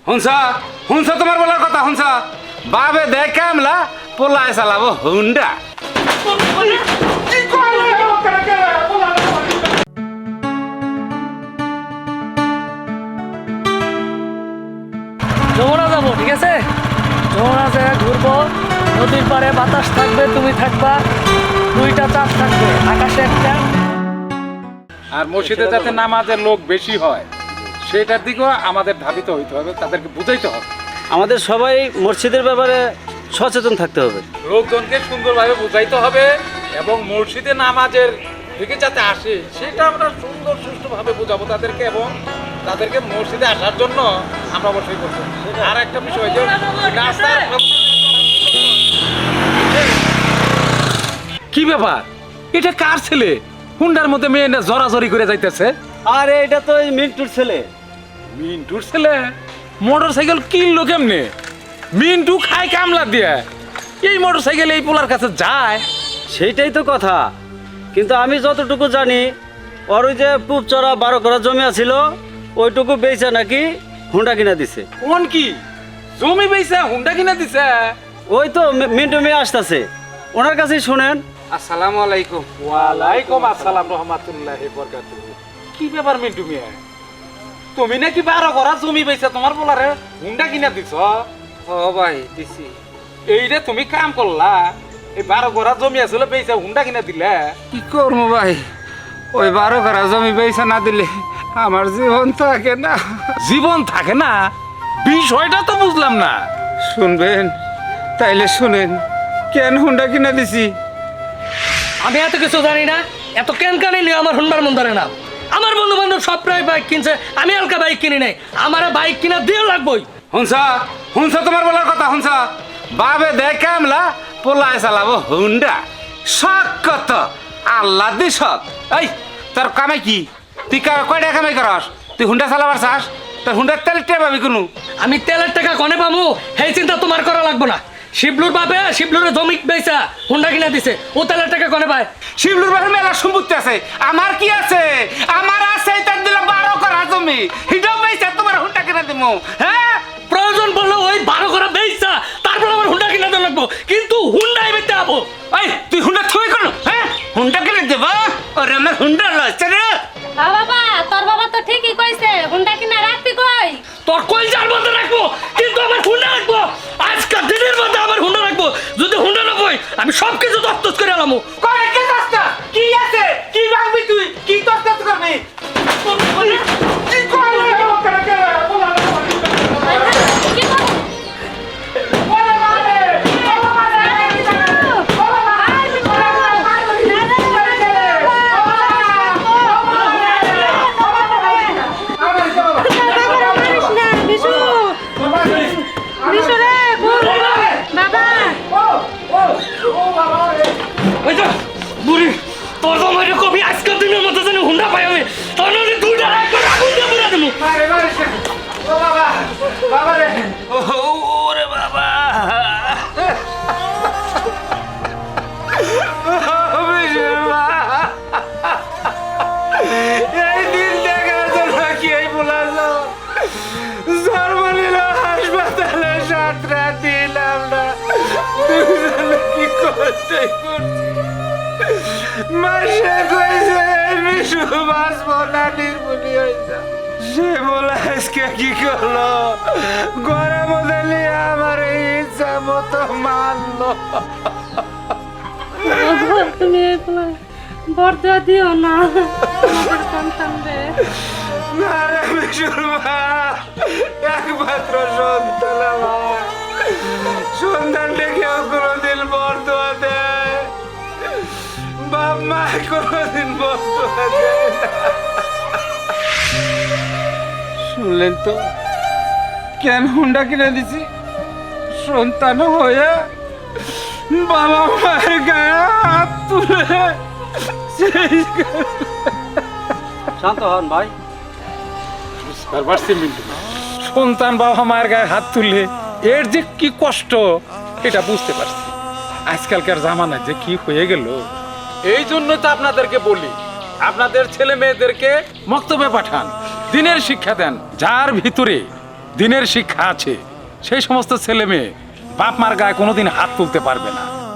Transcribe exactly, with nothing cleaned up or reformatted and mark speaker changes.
Speaker 1: হুনসা হুনসা তোমার বলার কথা হুনসা বাবে দেখ কামলা পোলায় চালাবো হুন্ডা
Speaker 2: যমুনা যাবো, ঠিক আছে? যমুনা জায়গায় ঘুরবো, নদীর পাড়ে বাতাস থাকবে, তুমি থাকবা, দুইটা চাঁদ থাকবে, আকাশে একটা।
Speaker 3: আর মসজিদে যাতে নামাজের লোক বেশি হয় সেটার দিকেও আমাদের ধাবিত হইতে হবে, তাদেরকে বুঝাইতে হবে।
Speaker 4: আমাদের সবাই মসজিদের ব্যাপারে সচেতন থাকতে হবে।
Speaker 3: লোকজনকে সুন্দরভাবে বুঝাইতে হবে এবং মসজিদে নামাজের দিকে যাতে আসে সেটা আমরা সুন্দর সুষ্ঠুভাবে বোঝাবো তাদেরকে, এবং তাদেরকে মসজিদে আসার জন্য আমরা অবশ্যই করবো। আর একটা বিষয় যে রাস্তার কি ব্যাপার, এটা কার ছেলে? হুন্ডার মধ্যে মেয়ে না জড়াজড়ি করে যাইতেছে।
Speaker 4: আর এটা তো এই মিন্টুর ছেলে।
Speaker 3: মিন্টুর ছেলে মোটর সাইকেল কিনলো কেমনে? মিন্টু খায় কামলা দিয়ে, এই মোটর সাইকেল এই পোলার কাছে যায়?
Speaker 4: সেইটাই তো কথা। কিন্তু আমি যতটুকু জানি, ওর ওই যে পুপ চড়া বারো করা জমি আছিল, ওইটুকু বেচা নাকি হুন্ডা কিনা দিছে।
Speaker 3: কোন কি জমি বেচা হুন্ডা কিনা দিছে?
Speaker 4: ওই তো মি- মিন্টু মেয়ে আসতেছে, ওনার কাছেই শুনেন।
Speaker 1: আসসালামু আলাইকুম।
Speaker 3: ওয়ালাইকুম আসসালাম রহমাতুল্লাহি বরকাতুহু। কি ব্যাপার মিন্টু মিয়া, তুমি নাকি বারো করা জমি বেচা তোমার বলারে হুন্ডা কিনা দিছ?
Speaker 1: ও ভাই দিছি।
Speaker 3: এই রে তুমি কাম করলা, এই বারো করা জমি আসলে বেচা হুন্ডা কিনা দিলে?
Speaker 1: কি করবো ভাই, ওই বারো করা জমি বেচা না দিলে আমার জীবন থাকে না।
Speaker 3: জীবন থাকে না? বিষয়টা তো বুঝলাম না।
Speaker 1: শুনবেন তাইলে শুনেন কেন হুন্ডা কিনা দিছি।
Speaker 2: আমি এত কিছু জানি না, এত কেন কানি নিয়ে আমার হুন্ডার মন ধরে না। আমার বন্ধু বান্ধব সব প্রায় বাইক কিনছে, আমি হালকা বাইক কিনি নাই। আমার বাইক কিনা দিয়ে লাগবই।
Speaker 1: হুনসা হুনসা তোমার বলার কথা হুনসা বাবে দেখ কামলা পোলায় চালাবো হুন্ডা। শখ কত আল্লাহ দি শখ। এই তোর কামাই কি? তুই কা- কয়টা কামাই করস? তুই হুন্ডা চালাবার চাস? তোর হুন্ডার তেল টে পাবি কোনো?
Speaker 2: আমি তেলের টাকা কনে পামু সেই চিন্তা তোমার করা লাগবো না। শিবলুর বাপে শিবলুরে জমি বেচা হুন্ডা কিনা দিছে, ও তেলের টাকা কনে পায়?
Speaker 1: শিবলুর বাড়ির মেলা সম্পত্তি আছে, আমার কি আছে? আমার আছে তার দিলাম বারো করা জমি, হিডাও বেচা তোমার হুন্ডা কিনা দিমু। হ্যাঁ
Speaker 2: প্রয়োজন পড়লে ওই বারো করা বেচা তারপর আমার হুন্ডা কিনা দেওয়া লাগবো, কিন্তু হুন্ডাই বেচতে যাবো।
Speaker 1: এই তুই হুন্ডা থুই করো? হ্যাঁ হুন্ডা কিনে দেবা? ওরে আমার হুন্ডা লচ্ছে রে।
Speaker 5: হ্যাঁ বাবা, তোর বাবা তো ঠিকই কইছে, হুন্ডা কিনা রাখবি কই?
Speaker 2: তোর কলজার মধ্যে রাখবো, কিন্তু আমার হুন্ডা রাখবো। আজকাল দিনের মধ্যে আমার হুন্ডা রাখবো। যদি হুন্ডা না বই আমি সব কিছু দস্তস করে আলামু।
Speaker 1: করে কে দস্তা? কি আছে? কি ভাঙবি তুই? কি দস্তা করবি? কি করবি? করে কে? বলা না।
Speaker 5: কি করব?
Speaker 2: ওই তো বুড়ি, তোর তো আমার কবি আজকাল দিনের মধ্যে যেন হুন্ডা পাই আমি, তোর নদী দুইটা রাখবো, আগুন দিয়ে পুরা দেবো।
Speaker 1: আরে বাবা, ও বাবা, বাবা রে।
Speaker 4: ওরে বাবা,
Speaker 1: এই দিন দেখার জন্য কি এই বলাছো? জন্ম নিল হাসপাতালে, সাত রাত দিলাম না, দুজনে কি করতে করছি। মাসে কইছে বিশু বাঁচবো না, নির্মূলি হয়েছে। সে বলে আজকে কি করলো? ঘরের মধ্যে নিয়ে আমার এই ইচ্ছা মতো মারলো।
Speaker 5: তুমি বর্দা দিও না আমাদের সন্তান রে।
Speaker 1: না রে বিশুর মা, একমাত্র সন্তান আমার। সন্তানটা কেউ কোনোদিন বর্দোয়া দেয়? বাপ মা কোনোদিন বর্দোয়া দেয় না। শুনলেন তো কেন হুন্ডা কিনে দিছি? সন্তান হয়ে বাবা মায়ের গায়ে হাত তুলে সেই
Speaker 4: শান্ত হন ভাই।
Speaker 3: বুঝতে পারছি মিন্টু, সন্তান বাবা মায়ের গায়ে হাত তুলে এর যে কি কষ্ট এটা বুঝতে পারছি। আজকালকার জামানায় যে কি হয়ে গেল, এই জন্য তো আপনাদেরকে বলি আপনাদের ছেলে মেয়েদেরকে মক্তবে পাঠান, দিনের শিক্ষা দেন, যার ভিতরে দিনের শিক্ষা আছে সেই সমস্ত ছেলে মেয়ে বাপ মার গায়ে কোনোদিন হাত তুলতে পারবে না।